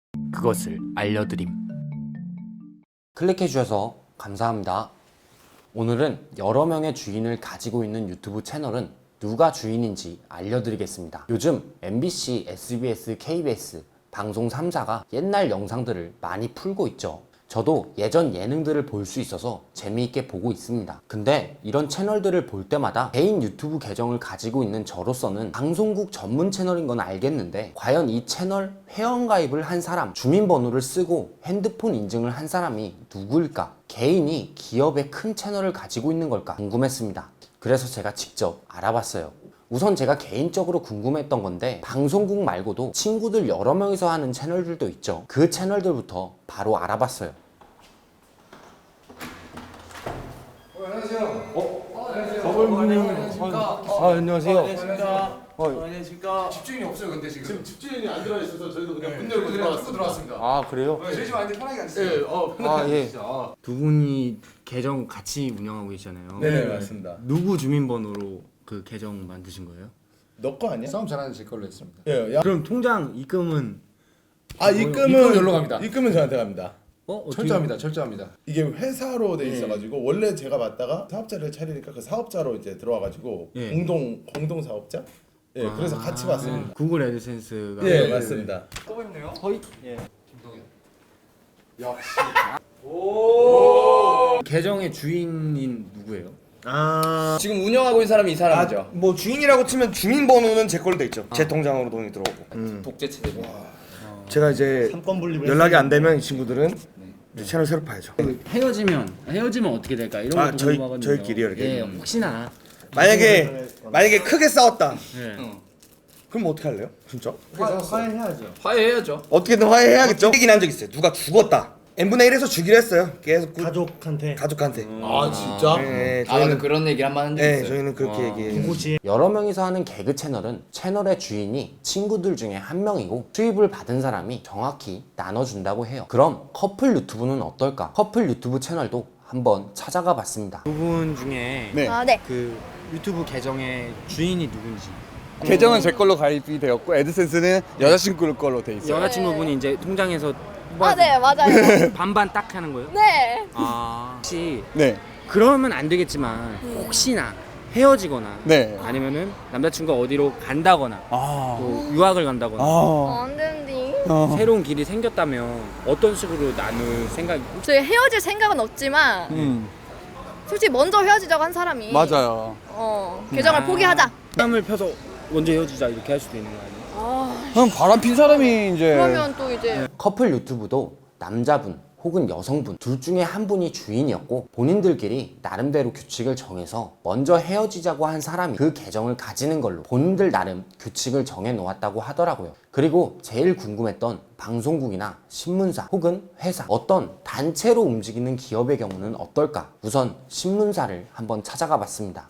그것을 알려드림. 클릭해주셔서 감사합니다. 오늘은 여러 명의 주인을 가지고 있는 유튜브 채널은 누가 주인인지 알려드리겠습니다. 요즘 MBC, SBS, KBS 방송 3사가 옛날 영상들을 많이 풀고 있죠. 저도 예전 예능들을 볼 수 있어서 재미있게 보고 있습니다. 근데 이런 채널들을 볼 때마다 개인 유튜브 계정을 가지고 있는 저로서는 방송국 전문 채널인 건 알겠는데 과연 이 채널 회원가입을 한 사람, 주민번호를 쓰고 핸드폰 인증을 한 사람이 누구일까? 개인이 기업의 큰 채널을 가지고 있는 걸까? 궁금했습니다. 그래서 제가 직접 알아봤어요. 우선 제가 개인적으로 궁금했던 건데 방송국 말고도 친구들 여러 명이서 하는 채널들도 있죠. 그 채널들부터 바로 알아봤어요. 안녕하세요. 안녕하세요. 안녕하십니까. 집주인이 없어요, 근데 지금 집주인이 안 들어와 있어서 저희도 그냥 문 열고 들어왔습니다. 아 그래요? 저희 집 안에 편하게 앉으세요. 아 예. 두 분이 계정 같이 운영하고 계시잖아요. 네 맞습니다. 누구 주민번호로 그 계정 만드신 거예요? 너 거 아니야? 싸움 잘하는 제 걸로 했습니다. 예. 야. 그럼 통장 입금은 입금은 여기로 갑니다. 입금은 저한테 갑니다. 철저합니다, 철저합니다. 이게 회사로 돼 있어가지고 원래 제가 맡다가 사업자를 차리니까 그 사업자로 이제 들어와가지고 예. 공동 사업자. 예. 그래서 같이 봤습니다. 구글 애드센스가 예 맞습니다. 또 뵙네요. 거의 예. 김동현. 역시. 계정의 주인인 누구예요? 지금 운영하고 있는 사람이 이 사람이죠. 뭐 주인이라고 치면 주민번호는 제 걸로 돼 있죠. 제 통장으로 돈이 들어오고. 독재 체제고. 제가 이제 연락이 안 되면 이 친구들은 이제 채널 새로 파야죠. 헤어지면 어떻게 될까 이런 것도 궁금하거든요. 저희끼리요, 이렇게? 예, 혹시나. 만약에 크게 싸웠다. 예. 그럼 어떻게 할래요? 진짜? 화해해야죠. 어떻게든 화해해야겠죠. 얘기 난적 있어요. 누가 죽었다. n분의 1에서 주기로 했어요. 계속 가족한테. 아 진짜? 네, 아 맞아, 그런 얘기를 한 번 한 적 네, 있어요. 저희는 그렇게 얘기해요. 여러 명이서 하는 개그 채널은 채널의 주인이 친구들 중에 한 명이고 수입을 받은 사람이 정확히 나눠준다고 해요. 그럼 커플 유튜브는 어떨까? 커플 유튜브 채널도 한번 찾아가 봤습니다. 두 분 중에 네. 그 유튜브 계정의 주인이 누군지. 계정은 제 걸로 가입이 되었고 애드센스는 여자친구 걸로 돼 있어요. 여자친구분이 이제 통장에서 아, 네, 맞아요. 반반 딱 하는 거예요? 네. 혹시 네. 그러면 안 되겠지만 혹시나 헤어지거나 네. 아니면은 남자친구가 어디로 간다거나 또 유학을 간다거나 안 되는데. 새로운 길이 생겼다면 어떤 식으로 나눌 생각이? 저희 헤어질 생각은 없지만 솔직히 먼저 헤어지자고 한 사람이 맞아요. 계정을 포기하자. 땀을 펴서 먼저 헤어지자 이렇게 할 수도 있는 거 아니에요? 그럼 바람 핀 사람이 이제 그러면 또 이제 커플 유튜브도 남자분 혹은 여성분 둘 중에 한 분이 주인이었고 본인들끼리 나름대로 규칙을 정해서 먼저 헤어지자고 한 사람이 그 계정을 가지는 걸로 본인들 나름 규칙을 정해 놓았다고 하더라고요. 그리고 제일 궁금했던 방송국이나 신문사 혹은 회사 어떤 단체로 움직이는 기업의 경우는 어떨까? 우선 신문사를 한번 찾아가 봤습니다.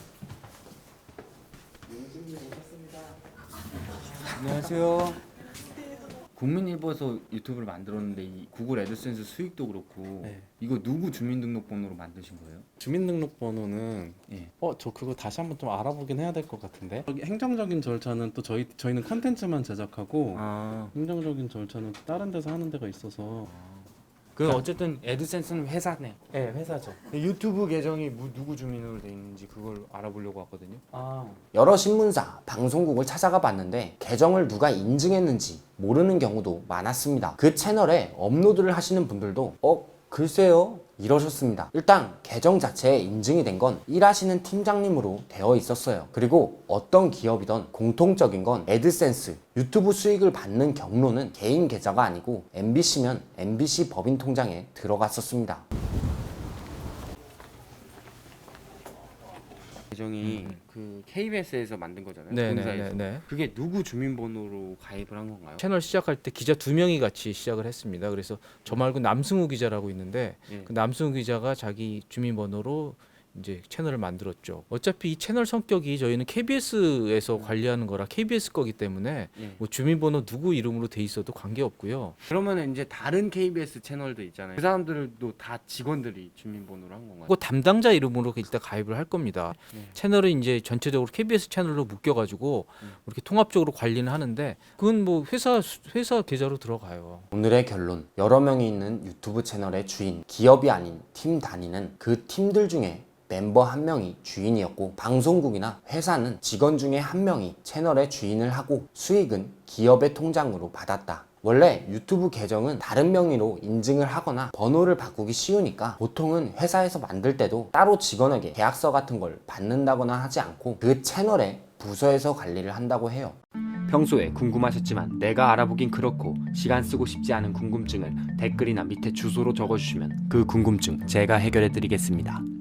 안녕하세요. 국민일보에서 유튜브를 만들었는데 이 구글 애드센스 수익도 그렇고 이거 누구 주민등록번호로 만드신 거예요? 주민등록번호는 예. 저 그거 다시 한번 좀 알아보긴 해야 될 것 같은데 여기 행정적인 절차는 또 저희는 컨텐츠만 제작하고 행정적인 절차는 또 다른 데서 하는 데가 있어서 그 어쨌든 애드센스는 회사네요. 네 회사죠. 유튜브 계정이 누구 주민으로 돼 있는지 그걸 알아보려고 왔거든요. 여러 신문사, 방송국을 찾아가 봤는데 계정을 누가 인증했는지 모르는 경우도 많았습니다. 그 채널에 업로드를 하시는 분들도 글쎄요 이러셨습니다. 일단 계정 자체에 인증이 된 건 일하시는 팀장님으로 되어 있었어요. 그리고 어떤 기업이든 공통적인 건 애드센스, 유튜브 수익을 받는 경로는 개인 계좌가 아니고 MBC면 MBC 법인 통장에 들어갔었습니다. 계정이 그 KBS에서 만든 거잖아요. 네, 본사에서. 네. 그게 누구 주민번호로 가입을 한 건가요? 채널 시작할 때 기자 2명이 같이 시작을 했습니다. 그래서 저 말고 남승우 기자라고 있는데 예. 그 남승우 기자가 자기 주민번호로 이제 채널을 만들었죠. 어차피 이 채널 성격이 저희는 KBS에서 관리하는 거라 KBS 거기 때문에 뭐 주민번호 누구 이름으로 돼 있어도 관계 없고요. 그러면 이제 다른 KBS 채널도 있잖아요. 그 사람들도 다 직원들이 주민번호로 한 건가요? 그 담당자 이름으로 일단 가입을 할 겁니다. 채널은 이제 전체적으로 KBS 채널로 묶여가지고 이렇게 통합적으로 관리는 하는데 그건 뭐 회사 계좌로 들어가요. 오늘의 결론, 여러 명이 있는 유튜브 채널의 주인, 기업이 아닌 팀 단위는 그 팀들 중에 멤버 한 명이 주인이었고 방송국이나 회사는 직원 중에 한 명이 채널의 주인을 하고 수익은 기업의 통장으로 받았다. 원래 유튜브 계정은 다른 명의로 인증을 하거나 번호를 바꾸기 쉬우니까 보통은 회사에서 만들 때도 따로 직원에게 계약서 같은 걸 받는다거나 하지 않고 그 채널의 부서에서 관리를 한다고 해요. 평소에 궁금하셨지만 내가 알아보긴 그렇고 시간 쓰고 싶지 않은 궁금증을 댓글이나 밑에 주소로 적어주시면 그 궁금증 제가 해결해 드리겠습니다.